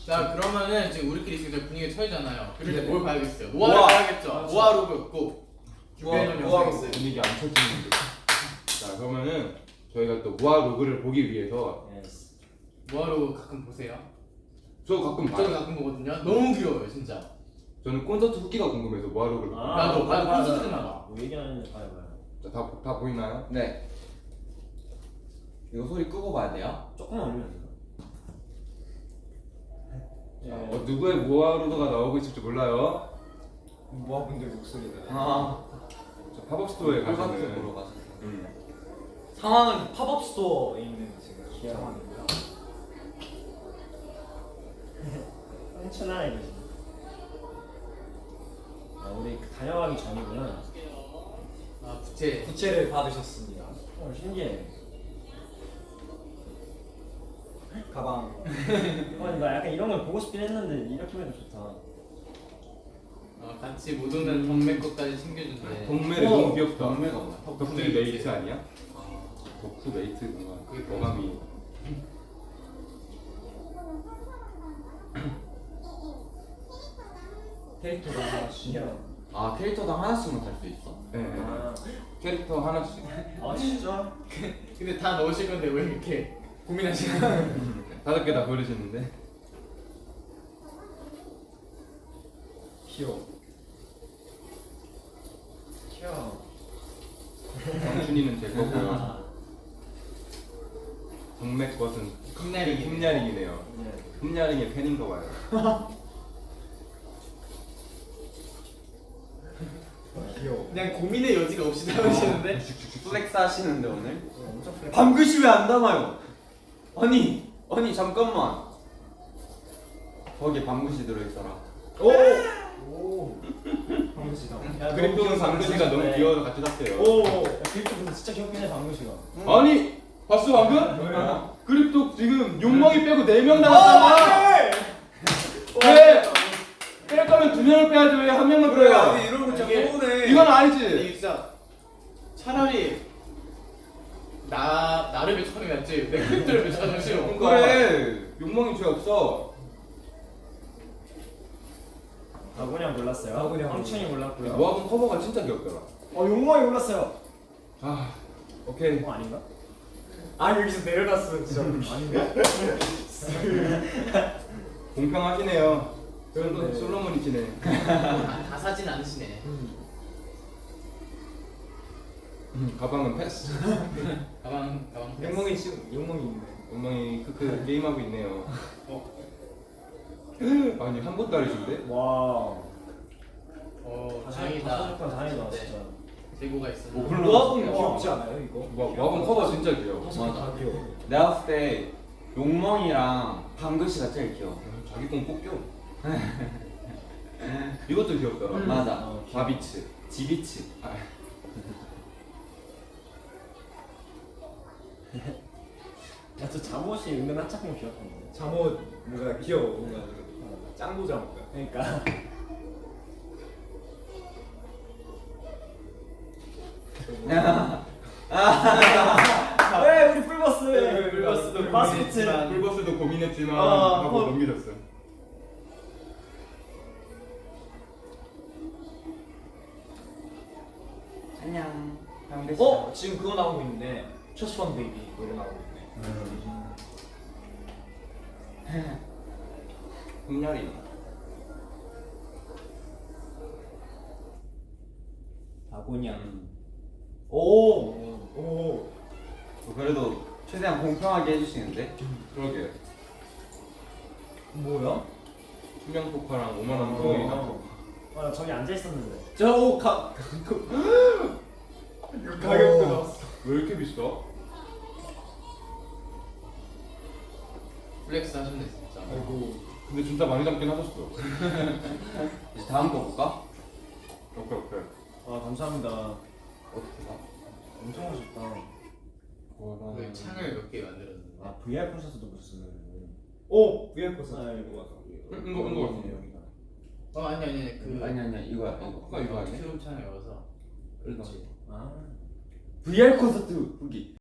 자 그러면은 지금 우리끼리 지금 분위기 처이잖아요. 그럴 때 네. 뭘 봐야겠어요? 모아를 봐야겠죠. 모아로그 꼭 준비해놓은 영상 있어요. 분위기 안 쳐지는데. 자 그러면은 저희가 또 모아 로그를 보기 위해서 모아로그 가끔 보세요. 저 가끔 저도 봐요. 가끔 보거든요. 너무 귀여워요 진짜. 저는 콘서트 후기가 궁금해서 모아 로그를 봐요. 나도 콘서트 나가. 뭐 얘기하는데 봐요. 자, 다 보이나요? 네. 이거 소리 끄고 봐야 돼요? 조금만 올리면 돼요. 자, 누구의 모아 로그가 나오고 있을지 몰라요. 모아분들 목소리가. 아, 자, 팝업 스토어에 콘서트 가시는. 보러 가서. 상황은 팝업 스토어에 있는 지금 귀여워. 상황이고요. 훔쳐나네 거지. 아 우리 다녀가기 전이구나. 아 부채. 부채를 받으셨습니다. 신기해. 가방. 나 약간 이런 걸 보고 싶긴 했는데 이렇게 보니까 좋다. 같이 못 오는 덕매 것까지 챙겨준대. 동매를 너무 귀엽다. 동매가 뭐야? 덕후 메이트 아니야? 덕후 메이트 뭔가 그게 어감이. 캐릭터가 하나씩. 아, 캐릭터당 하나씩만 달 수 있어? 네. 아, 캐릭터 하나씩. 아 진짜? 근데 다 넣으실 건데 왜 이렇게 고민하시나? 5개 다 고르시는데. 귀여워. 귀여워. 정춘이는 제 거고요. 동맥 것은 흠야링이. 흠야링이네요. 네. 흠야링의 팬인가 봐요. 귀여워. 그냥 고민의 여지가 없이 담으시는데? 플렉스 하시는데 오늘? 엄청 플렉. 방글씨 왜 안 담아요? 아니 잠깐만. 거기에 방글씨 들어있어라. 오. 방글씨다. 그립톡은 방글씨가 너무 귀여워서 같이 샀어요. 오. 그립톡 근데 진짜 귀엽긴 해 방금 씨가. 아니 봤어 방금? 뭐야? 그립톡 지금 욕망이 빼고 4명 남았잖아. 왜? 뺄 거면 2명을 빼야지 왜 1명만 빼요? 이런 거 진짜 이게- 서운해. 이건 아니지. 이게 진짜 차라리 나를 배척하는 게 낫지 내 캐릭터를 배척하는 거 싫어. 그래 욕망이 죄 없어. 아군이 골랐어요. 아군이 형. 황춘이 골랐고요. 모아본 커버가 진짜 귀엽더라. 용광이 골랐어요. 아 오케이. 아닌가? 아 여기서 내려갔어 진짜. 아닌가? 공평하시네요. 그런데- 솔로몬이시네. 다 사진 않으시네. 가방은 패스. 가방 욕망이 지금 욕망이 있네. 욕망이 크크 게임하고 있네요. 아니 한 번도 아니신데? 와. 다행이다. 다행이다 네. 진짜. 재고가 있어. 모아분 귀엽지 않아요 이거? 모아본 커버 진짜 귀여워. 다 귀여워. 내가 봤을 때 용멍이랑 방글씨가 제일 귀여워. 자기 건 뽑겨. 이것도 귀엽더라. 맞아. 바비츠. 지비치. 아, 야저 잠옷이 은근 한짝꿍 귀엽던데. 잠옷 뭔가 귀여워. 뭔가 짱구 잠옷. 그러니까. 왜 우리 풀버스? 불버스도 마스코트. 고민했지만 풀버스도 고민했지만 아, 하고 넘겨졌어. 안녕. 방글씨. 지금 그거 나오고 있는데 초스펀 베이비 노래 나오고 있네. 흠열이. 아곤양. 오. 그래도 최대한 공평하게 해주시는데? 그러게. 뭐야? 투명 포카랑 5만 원 돈이 나. 나 저기 앉아 있었는데. 저 가격도 나왔어. 왜 이렇게 비싸? 플렉스 하셨네 진짜. 아이고. 근데 진짜 많이 담긴 하셨어. 이제 다음 거 볼까? 오케이. 아 감사합니다. 어떻게 봐? 엄청 멋있다. 그 창을 몇 개 만들었는데. 아 VR 콘서트도 보셨어요? 오 VR 콘서트. 아, 이거 맞아. 이거 같은데 여기가. 아니 그 아니야 이거야 이거. 포카 이거 아니야? 트럼 창을 열어서. 이거. 아. VR 콘서트 후기.